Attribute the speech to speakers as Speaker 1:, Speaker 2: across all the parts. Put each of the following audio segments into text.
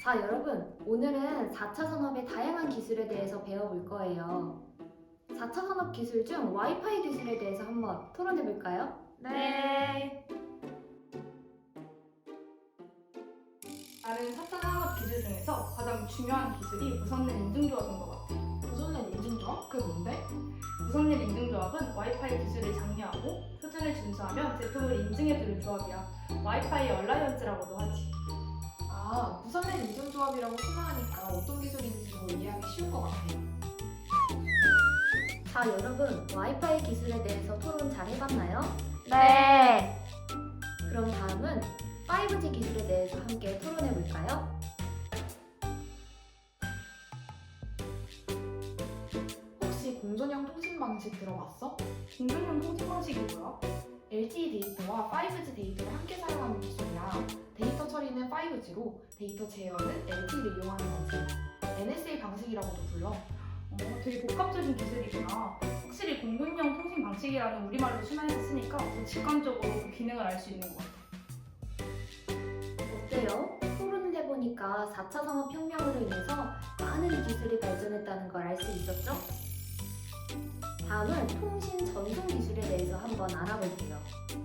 Speaker 1: 자, 여러분, 오늘은 4차 산업의 다양한 기술에 대해서 배워볼 거예요. 4차 산업 기술 중 와이파이 기술에 대해서 한번 토론해 볼까요?
Speaker 2: 네. 다른 4차 산업 기술 중에서 가장 중요한 기술이 무선랜 인증조합인 것 같아.
Speaker 3: 무선랜 인증조합? 그게 뭔데?
Speaker 2: 무선랜 인증조합은 와이파이 기술을 장려하고 표준을 준수하면 제품을 인증해주는 조합이야. 와이파이 얼라이언스라고도 하지.
Speaker 3: 아, 무선랜 인증조합이라고 설명하니까 어떤 기술인지도 이해하기 쉬운 것 같아.
Speaker 1: 자, 여러분, 와이파이 기술에 대해서 토론 잘 해봤나요?
Speaker 2: 네.
Speaker 1: 그럼 다음은 5G 기술에 대해서 함께 토론해 볼까요?
Speaker 3: 혹시 공전형 통신 방식 들어봤어?
Speaker 2: 공정형 통신 방식이 뭐야?
Speaker 3: LTE 데이터와 5G 데이터를 함께 사용하는 기술이야. 데이터 처리는 5G로 데이터 제어는 LTE를 이용하는 거지. NSA 방식이라고도 불러.
Speaker 2: 되게 복합적인 기술이구나. 확실히 공군형 통신 방식이라는 우리말로 순화해서 쓰니까 더 직관적으로 그 기능을 알 수 있는 것 같아.
Speaker 1: 어때요? 토론을 해보니까 4차 산업혁명으로 인해서 많은 기술이 발전했다는 걸 알 수 있었죠? 다음은 통신 전송 기술에 대해서 한번 알아볼게요.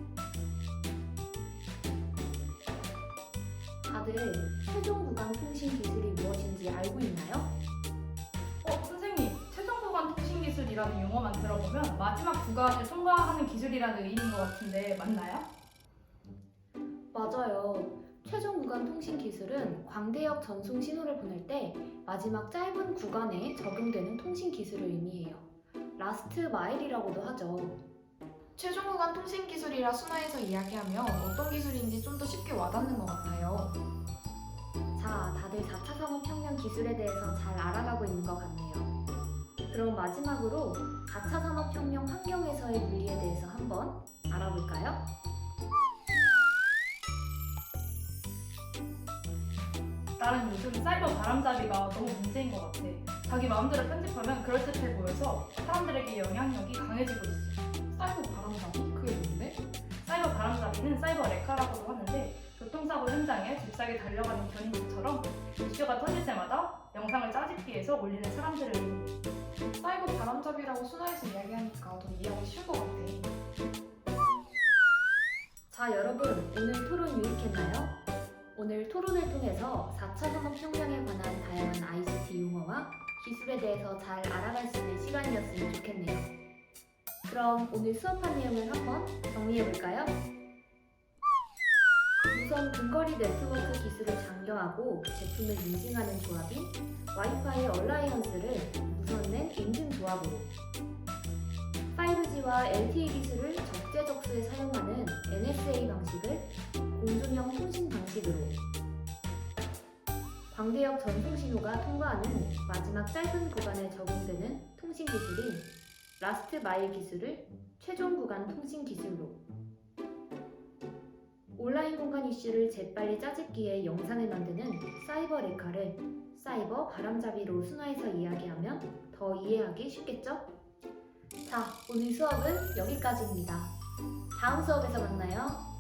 Speaker 1: 다들 최종 구간 통신 기술이 무엇인지 알고 있나요?
Speaker 2: 선생님, 최종 구간 통신 기술이라는 용어만 들어보면 마지막 구간을 통과하는 기술이라는 의미인 것 같은데 맞나요?
Speaker 1: 맞아요. 최종 구간 통신 기술은 광대역 전송 신호를 보낼 때 마지막 짧은 구간에 적용되는 통신 기술을 의미해요. 라스트 마일이라고도 하죠.
Speaker 3: 최종 구간 통신 기술이라 순화해서 이야기하면 어떤 기술인지 좀 더 쉽게 와닿는 것 같아요.
Speaker 1: 자, 다들 4차 산업혁명 기술에 대해서 잘 알아가고 있는 것 같네요. 그럼 마지막으로 4차 산업혁명 환경에서의 분리에 대해서 한번 알아볼까요?
Speaker 2: 나는 요즘 사이버 바람잡이가 너무 문제인 것 같아. 자기 마음대로 편집하면 그럴듯해 보여서 사람들에게 영향력이 강해지고 있어.
Speaker 3: 사이버 바람잡이? 그게 뭔데?
Speaker 2: 사이버 바람잡이는 사이버 레카라고도 하는데 교통사고 현장에 잽싸게 달려가는 견인처럼 이슈가 터질 때마다 영상을 짜집기해서 올리는 사람들을 의미해.
Speaker 3: 사이버 바람잡이라고 순화해서 이야기하니까 더 이해하기 쉬운 것 같아.
Speaker 1: 자, 여러분, 오늘 토론 유익했나요? 오늘 토론을 통해서 4차 산업혁명에 관한 다양한 ICT 용어와 기술에 대해서 잘 알아갈 수 있는 시간이었으면 좋겠네요. 그럼 오늘 수업한 내용을 한번 정리해볼까요? 무선 근거리 네트워크 기술을 장려하고 제품을 인증하는 조합인 와이파이 얼라이언스를 무선랜 인증 조합으로, 5G와 LTE 기술을 적재적소에 사용하는 NSA 방식을 공존형 통신 방식으로, 광대역 전송 신호가 통과하는 마지막 짧은 구간에 적용되는 통신 기술인 라스트 마일 기술을 최종 구간 통신 기술로, 온라인 공간 이슈를 재빨리 짜집기에 영상을 만드는 사이버 레카를 사이버 바람잡이로 순화해서 이야기하면 더 이해하기 쉽겠죠? 자, 오늘 수업은 여기까지입니다. 다음 수업에서 만나요.